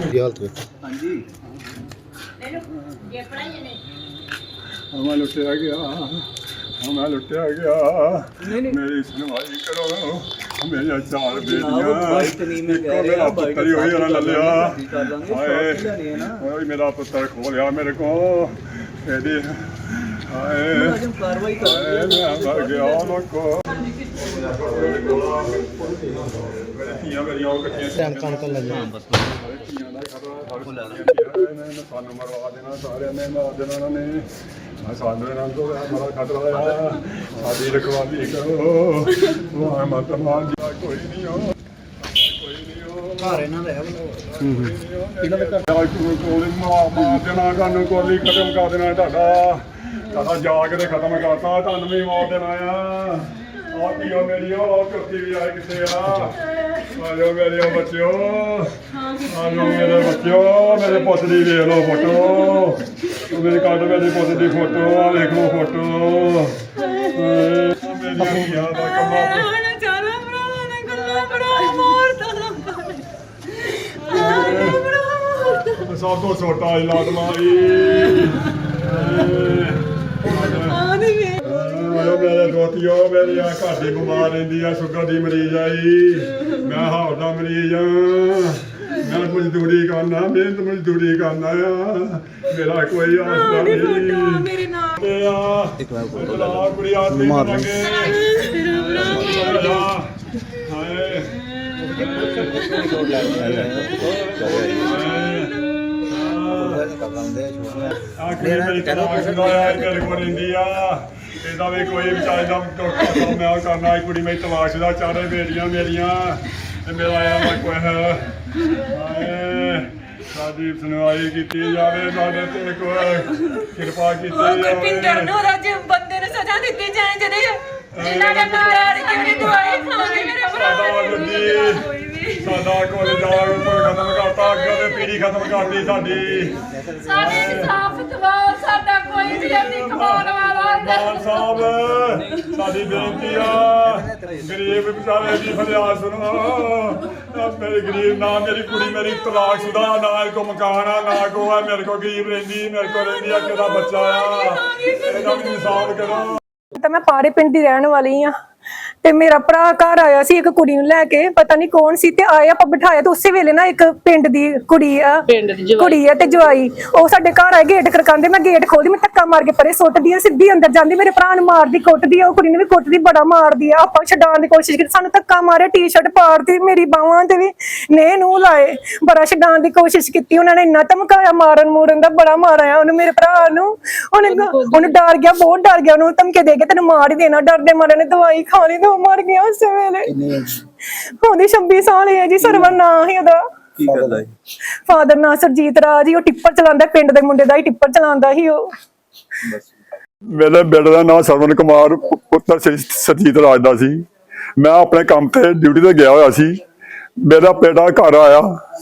हालत देखो। हाँ जी मैं लुटिया गया, मैं लुटिया गया। मेरी सुनवाई करो, मेरी चार बेटियां मेरा पुत्र ही हुई ना लिया। मेरा पुत्र खो लिया मेरे को। मैं मर गया लोगो। सानू मरवा देना सारे ने, मार देना उन्होंने। सानू नाम तो बड़ा खतरा है। साडी रखवाली करो, मत मार दिया कोई नहीं हो, कोई नहीं हो। घर इन्हां दा है इन्हां दे घर कोली मार देना, कानू कोली खत्म कर देना। ਤੁਹਾਡਾ ਜਾਗ ਦੇ ਖਤਮ ਕਰਤਾ, ਤੁਹਾਨੂੰ ਵੀ ਮਾਰ ਦੇਣਾ ਆ। ਆ ਪੀਓ ਮੇਰੀ ਉਹ ਕੁੱਤੀ ਵੀ ਆਏ ਕਿੱਥੇ ਆ? ਆਜੋ ਮੇਰੇ ਬੱਚਿਓ, ਆਜੋ ਮੇਰੇ ਬੱਚਿਓ। ਮੇਰੇ ਪੁੱਤ ਦੀ ਵੇਖ ਲਓ ਫੋਟੋ, ਮੇਰੇ ਕੱਢ ਮੇਰੀ ਪੁੱਤ ਦੀ ਫੋਟੋ, ਆ ਵੇਖ ਲਓ ਫੋਟੋ। ਮੇਰੀ ਧੀਆਂ ਦਾ ਕੰਮਾਂ ਸਭ ਤੋਂ ਛੋਟਾ ਇਲਾਜ ਮਾਰੀ। मेरे दोतियों मेरी घर की बीमार रही है, शुगर की मरीज आई, मैं हार्ट का मरीज हाँ। मैं मजदूरी करना, मेहनत मजदूरी करना आ। मेरा कोई आसरा नहीं। ਇਹਦਾ ਵੀ ਕੋਈ ਵਿਚਾਰੇ ਦਾ ਮੈਂ ਕਰਨਾ। ਕੁੜੀ ਮੇਰੀ ਤਲਾਸ਼ ਦਾ, ਚਾਰੇ ਬੇਟੀਆਂ ਮੇਰੀਆਂ ਤੇ ਮੇਰਾ ਆਇਆ ਕੋਈ ਹੈ। ਸਾਡੀ ਸੁਣਵਾਈ ਕੀਤੀ ਜਾਵੇ, ਸਾਡੇ ਤੇ ਕੋਈ ਕਿਰਪਾ ਕੀਤੀ ਜਾਵੇ। ਪਿੰਡਰ ਨੂੰ ਰਾਜ ਬੰਦੇ ਨੂੰ ਸਜ਼ਾ ਦਿੱਤੀ ਜਾਏ ਜਿਹੜੇ ਇਹਨਾਂ ਨੇ ਨਾਰ ਕਿਹੜੀ ਦਵਾਈ ਖਾਂਦੇ ਮੇਰੇ ਭਰਾ ਸਾਡਾ ਕੋਲ ਜਾਗ ਖਤਮ ਕਰਤਾ, ਅੱਗੇ ਤੇ ਪੀੜੀ ਖਤਮ ਕਰਤੀ ਸਾਡੀ। ਸਾਡੇ ਇਨਸਾਫ ਦਵਾਓ, ਸਾਡਾ ਕੋਈ ਵੀ ਨਹੀਂ ਕਮਾਉਣ ਵਾਲਾ। ਮਾਨ ਸਾਹਿਬ ਸਾਡੀ ਬੇਨਤੀ ਆ, ਗਰੀਬ ਵਿਚਾਰੇ ਦੀ ਫਰਿਆਦ ਸੁਣੋ। ਮੇਰੇ ਗਰੀਬ ਨਾ, ਮੇਰੀ ਕੁੜੀ ਮੇਰੀ ਤਲਾਕਸ਼ੁਦਾ, ਨਾ ਕੋ ਮਕਾਨ ਆ, ਨਾ ਕੋ ਆ। ਮੇਰੇ ਕੋ ਗਰੀਬ ਰਹਿੰਦੀ, ਮੇਰੇ ਕੋ ਰਹਿੰਦੀ ਆ, ਕਿਹਦਾ ਬੱਚਾ ਆ। ਇਹਦਾ ਵੀ ਇਨਸਾਫ ਕਰੋ। ਤਾਂ ਮੈਂ ਪਾਰੇ ਪਿੰਡ ਦੀ ਰਹਿਣ ਵਾਲੀ ਆ ਤੇ ਮੇਰਾ ਭਰਾ ਘਰ ਆਇਆ ਸੀ ਇੱਕ ਕੁੜੀ ਨੂੰ ਲੈ ਕੇ, ਪਤਾ ਨਹੀਂ ਕੌਣ ਸੀ, ਤੇ ਆਏ ਆਪਾਂ ਬਿਠਾਇਆ ਤੇ ਉਸੇ ਵੇਲੇ ਨਾ ਇੱਕ ਪਿੰਡ ਦੀ ਕੁੜੀ ਆ ਤੇ ਜਵਾਈ ਉਹ ਸਾਡੇ ਘਰ ਆਏ। ਗੇਟ ਖੜਕਾਉਂਦੇ, ਮੈਂ ਗੇਟ ਖੋਲਦੀ, ਮੈਂ ਧੱਕਾ ਮਾਰ ਕੇ ਪਰੇ ਸੁੱਟਦੀ ਆ, ਸਿੱਧੀ ਅੰਦਰ ਜਾਂਦੀ, ਮੇਰੇ ਭਰਾ ਨੂੰ ਮਾਰਦੀ ਕੁੱਟਦੀ ਆ, ਉਹ ਕੁੜੀ ਨੂੰ ਵੀ ਕੁੱਟਦੀ, ਬੜਾ ਮਾਰਦੀ ਆ। ਆਪਾਂ ਛਡਾਉਣ ਦੀ ਕੋਸ਼ਿਸ਼ ਕੀਤੀ, ਸਾਨੂੰ ਧੱਕਾ ਮਾਰਿਆ, ਟੀ-ਸ਼ਰਟ ਪਾੜਦੀ, ਮੇਰੀ ਬਾਹਾਂ ਤੇ ਵੀ ਨੇ ਨੂੰ ਲਾਏ, ਬੜਾ ਛਡਾਉਣ ਦੀ ਕੋਸ਼ਿਸ਼ ਕੀਤੀ। ਉਹਨਾਂ ਨੇ ਇੰਨਾ ਧਮਕਾਇਆ, ਮਾਰਨ ਮੂਰਨ ਦਾ ਬੜਾ ਮਾਰਿਆ ਉਹਨੂੰ, ਮੇਰੇ ਭਰਾ ਨੂੰ। ਉਹਨੂੰ ਡਰ ਗਿਆ, ਬਹੁਤ ਡਰ ਗਿਆ, ਉਹਨੂੰ ਧਮਕੇ ਦੇ ਕੇ ਤੈਨੂੰ ਮਾਰ ਹੀ ਦੇਣਾ। ਡਰਦੇ ਮਾਰੇ ਨੇ ਦਵਾਈ ਖਾ ਲਈ ਤੇ ਉਹ ਮਰ ਗਿਆ ਉਸੇ ਵੇਲੇ। ਉਹਦੀ 26 ਸਾਲ ਹੈ ਜੀ। ਸਰਵਰ ਨਾਂ ਹੀ ਉਹਦਾ। ਕੀ ਕਰਦਾ ਹੈ? ਫਾਦਰ ਨਾਂ ਸਰਜੀਤ ਰਾਜ। ਉਹ ਟਿੱਪਰ ਚਲਾਉਂਦਾ, ਪਿੰਡ ਦੇ ਮੁੰਡੇ ਦਾ ਹੀ ਟਿੱਪਰ ਚਲਾਉਂਦਾ ਸੀ ਉਹ। ਮੇਰੇ ਬੇਟੇ ਦਾ ਨਾਂ ਸਰਵਨ ਕੁਮਾਰ ਪੁੱਤਰ ਸਰਜੀਤ ਰਾਜ ਦਾ ਸੀ। ਮੈਂ ਆਪਣੇ ਕੰਮ ਤੇ ਡਿਊਟੀ ਤੇ ਗਿਆ ਹੋਇਆ ਸੀ। ਮੇਰਾ ਬੇਟਾ ਘਰ ਆਇਆ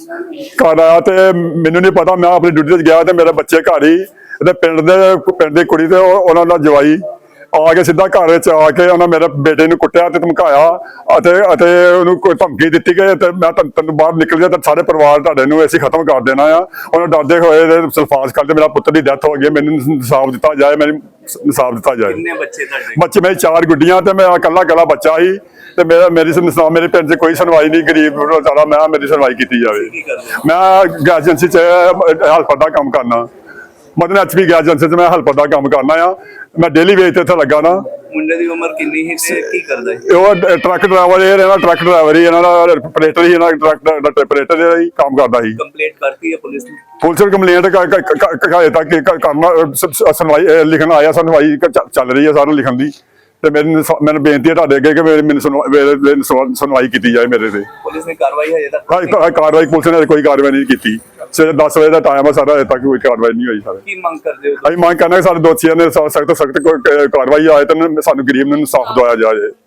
ਤੇ ਮੈਨੂੰ ਨਹੀਂ ਪਤਾ, ਮੈਂ ਆਪਣੀ ਡਿਊਟੀ ਤੇ ਗਿਆ ਤੇ ਮੇਰੇ ਬੱਚੇ ਘਰ ਹੀ ਤੇ ਪਿੰਡ ਦੀ ਕੁੜੀ ਤੇ ਉਹਨਾਂ ਦਾ ਜਵਾਈ ਆ ਕੇ ਸਿੱਧਾ ਘਰ ਵਿੱਚ ਆ ਕੇ ਉਹਨਾਂ ਮੇਰੇ ਬੇਟੇ ਨੂੰ ਕੁੱਟਿਆ ਤੇ ਧਮਕਾਇਆ ਅਤੇ ਉਹਨੂੰ ਕੋਈ ਧਮਕੀ ਦਿੱਤੀ ਕਿ ਤੇ ਮੈਂ ਤੈਨੂੰ ਬਾਹਰ ਨਿਕਲ ਜਾ ਤੇ ਸਾਰੇ ਪਰਿਵਾਰ ਤੁਹਾਡੇ ਨੂੰ ਅਸੀਂ ਖਤਮ ਕਰ ਦੇਣਾ ਆ। ਉਹਨਾਂ ਡਰਦੇ ਹੋਏ ਸਲਫਾਸ ਕਰਦੇ ਮੇਰਾ ਪੁੱਤਰ ਦੀ ਡੈਥ ਹੋ ਗਈ। ਮੈਨੂੰ ਇਨਸਾਫ ਦਿੱਤਾ ਜਾਏ, ਮੈਨੂੰ ਇਨਸਾਫ ਦਿੱਤਾ ਜਾਏ। ਕਿੰਨੇ ਬੱਚੇ ਤੁਹਾਡੇ? ਬੱਚੇ ਮੇਰੇ 4 ਗੁੱਡੀਆਂ ਤੇ ਮੈਂ ਇਕੱਲਾ ਬੱਚਾ ਸੀ ਤੇ ਮੇਰੇ ਪਿੰਡ 'ਚ ਕੋਈ ਸੁਣਵਾਈ ਨਹੀਂ। ਗਰੀਬ ਸਾਰਾ ਮੈਂ ਮੇਰੀ ਸੁਣਵਾਈ ਕੀਤੀ ਜਾਵੇ। ਮੈਂ ਗੈਸ ਏਜੰਸੀ 'ਚ ਹੈਲਪਰ ਦਾ ਕੰਮ ਕਰਨਾ, ਮਤਲਬ HP ਗੈਸ ਏਜੰਸੀ 'ਚ ਮੈਂ ਹੈਲਪਰ ਦਾ ਕੰਮ ਕਰਨਾ ਆ। ਮੈਂ ਡੇਲੀ ਵੇਜ ਤੇ ਇੱਥੇ ਲੱਗਾ ਨਾ। ਮੁੰਡੇ ਦੀ ਉਮਰ ਕਿੰਨੀ ਹੈ ਤੇ ਕੀ ਕਰਦਾ ਹੈ? ਉਹ ਟਰੱਕ ਡਰਾਈਵਰ ਹੀ ਇਹਨਾਂ ਦਾ ਆਪਰੇਟਰ ਹੀ, ਇਹਨਾਂ ਟਰੱਕ ਦਾ ਆਪਰੇਟਰ ਜਿਹੜਾ ਹੀ ਕੰਮ ਕਰਦਾ ਸੀ। ਕੰਪਲੇਂਟ ਕਰਤੀ ਹੈ ਪੁਲਿਸ ਨੇ? ਪੁਲਿਸ ਨੂੰ ਕੰਪਲੇਂਟ ਤੱਕ ਕਰਨਾ, ਸੁਣਵਾਈ ਲਿਖਣ ਆਇਆ, ਸੁਣਵਾਈ ਚੱਲ ਰਹੀ ਹੈ ਸਾਰਿਆਂ ਲਿਖਣ ਦੀ। ਤੇ ਮੈਨੂੰ ਬੇਨਤੀ ਹੈ ਤੁਹਾਡੇ ਅੱਗੇ ਕਿ ਮੈਨੂੰ ਸੁਣਵਾਈ ਕੀਤੀ ਜਾਏ ਮੇਰੇ ਤੇ। ਪੁਲਿਸ ਨੇ ਕਾਰਵਾਈ ਹਜੇ ਤੱਕ? ਕਾਰਵਾਈ ਪੁਲਿਸ ਨੇ ਕੋਈ ਕਾਰਵਾਈ ਨਹੀਂ ਕੀਤੀ। ਸਵੇਰੇ 10 ਵਜੇ ਦਾ ਟਾਈਮ ਹੈ ਸਾਰਾ, ਹਜੇ ਤੱਕ ਕੋਈ ਕਾਰਵਾਈ ਨਹੀਂ ਹੋਈ। ਸਾਰੇ ਕੀ ਮੰਗ ਕਰਦੇ ਹੋ? ਅਸੀਂ ਮੰਗ ਕਰਨਾ ਕਿ ਸਾਡੇ ਦੋਸ਼ੀਆਂ ਨੇ ਸਖਤ ਕਾਰਵਾਈ ਆਏ ਤੇ ਸਾਨੂੰ ਗਰੀਬ ਨੂੰ ਇਨਸਾਫ ਦਵਾਇਆ ਜਾਏ।